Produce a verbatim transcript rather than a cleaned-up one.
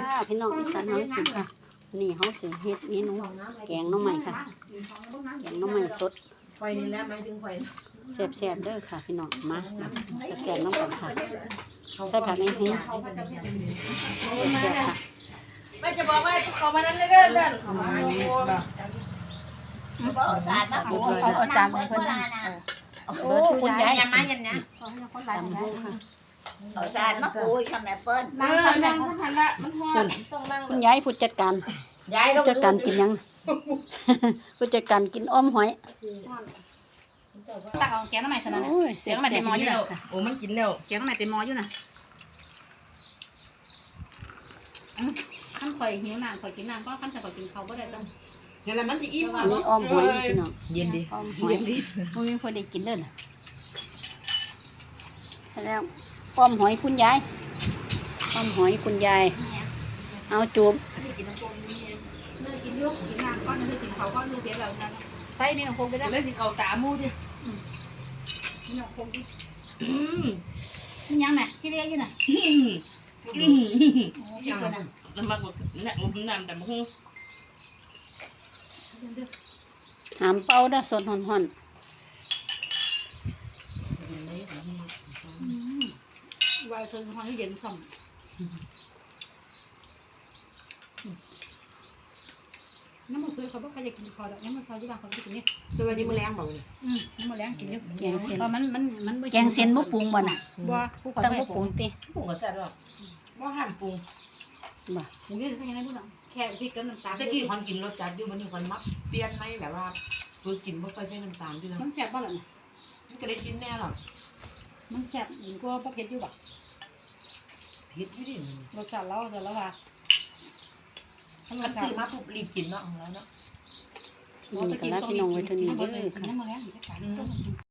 พี่น้องอีสานเฮากินค่ะนี่เฮาสิเฮ็ดเมนูแกงหน่อไม้ค่ะแกงหน่อไม้สดไฟนี่แหละหมายถึงไฟแซ่บๆเด้อค่ะพี่น้องมาแซ่บๆน้ำกันค่ะใส่ผักในหูแซ่บๆค่ะไม่จะบอกว่าเขามานั้นเด้อเด้อเขามาเอาเอาจานให้เพิ่นโอ้คุณยายยังมายังนะตำหูค่ะเอาจานมาปุยค่ะแม่เปิ้ลนั่งนั่งนั่งพันละมันฮ้อนต้องนั่งคุณยายผู้จัดการยายผู้จัดการกินยังผู้จัดการกินอ้อมหอยตักเอาแกงน้ำใหม่เท่านั้นโอ้ยแกแซ่งน้ำใหม่เต็มหม้ออยู่บนะๆค่ะโอ้มันกินแล้วแกงน้ำใหม่เต็มหม้ออยู่นะขั้นข่อยหิวน้ำข่อยกินน้ำก็ขั้นแต่ข่อยกินเขาก็ได้ต้องเห็นแล้วมันจะอิ่มอันนี้อ้อมหอยพี่น้องเย็นดิอ้อมหอยบ่มีคนได้กินเด้อน่ะแล้วอ้อมหอยคุณยายอ้อมหอยคุณยายเอาจูบกินน้ำโคมนี่เนื้อกินยุกกินน้ำก้อนเนื้อกินเขาก้อนเนื้อเปียกแล้วนะใส่นี่น้ำโคมไปได้เลยสิเขาตามูดินี่น้ำโคมดินี่ยังไงที่เรียกอยู่น่ะอืมที่คนน่ะมันมากกว่าเนี่ยมันน้ำแต่มันหูหามเป่าเด้อสดฮ้อนๆวายเชิญความเย็นส่งน้ำมันซื้อเขาบอกใครจะกินคอแล้วน้ำมันซอยที่บางคนกินนี่สวัสดีมื้อแรงบ่นี่อืมน้ำมันแรงกินเยอะแกงเส้นเพราะมันมันมันแกงเส้นบ่ปรุงบ่น่ะบัวผู้คนตั้งไม่บ่ปปรุรุงงติปรุงก็แซ่บแล้วบ่ห้ามปรุงบ่ถึงนี่จะยังไงพูดอ่ะแค่พริกกับน้ำตาลตะกี้คนกินรสจัดอยู่มันนี่คนมักเปลี่ยนไหมแบบว่าตัวกินบ่ค่อยใช้น้ำตาลด้วยนะมันแซ่บบ้างหรอมันก็ได้กินแน่หรอกมันแซ่บยิ่งกว่าพวกเผ็ดอยู่บ่เผ็ดอยู่ดิรสชาติเราแต่ละว่ามันซื้อมาปุ๊บรีบกินเนาะของเราเนาะนี่ก็ลาพี่น้องไว้เท่านี้เด้อค่ะน้ำมันแรง